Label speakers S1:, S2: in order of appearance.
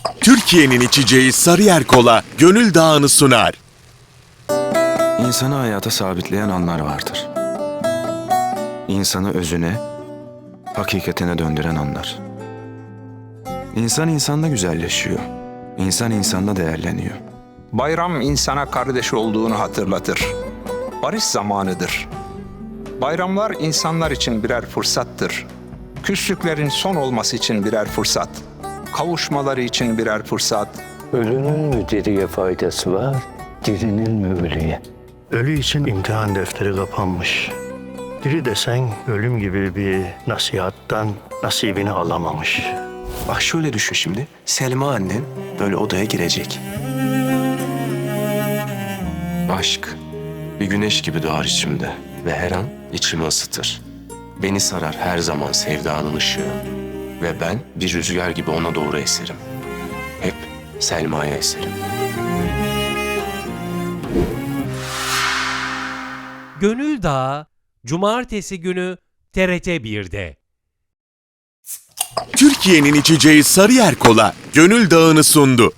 S1: Türkiye'nin içeceği Sarıyer Kola Gönül Dağı'nı sunar.
S2: İnsanı hayata sabitleyen anlar vardır. İnsanı özüne, hakikatine döndüren anlar. İnsan insanda güzelleşiyor. İnsan insanda değerleniyor.
S3: Bayram insana kardeş olduğunu hatırlatır. Barış zamanıdır. Bayramlar insanlar için birer fırsattır. Küslüklerin son olması için birer fırsat. Kavuşmaları için birer fırsat.
S4: Ölünün mü diriye faydası var, dirinin mi ölüye?
S5: Ölü için imtihan defteri kapanmış. Diri desen ölüm gibi bir nasihattan nasibini alamamış.
S6: Bak şöyle düşün şimdi. Selma annen böyle odaya girecek.
S2: Aşk bir güneş gibi doğar içimde ve her an içimi ısıtır. Beni sarar her zaman sevdanın ışığı ve ben bir rüzgar gibi ona doğru eserim. Hep Selma'ya eserim.
S7: Gönül Dağı, Cumartesi günü TRT 1'de.
S1: Türkiye'nin içeceği Sarıyer Kola Gönül Dağı'nı sundu.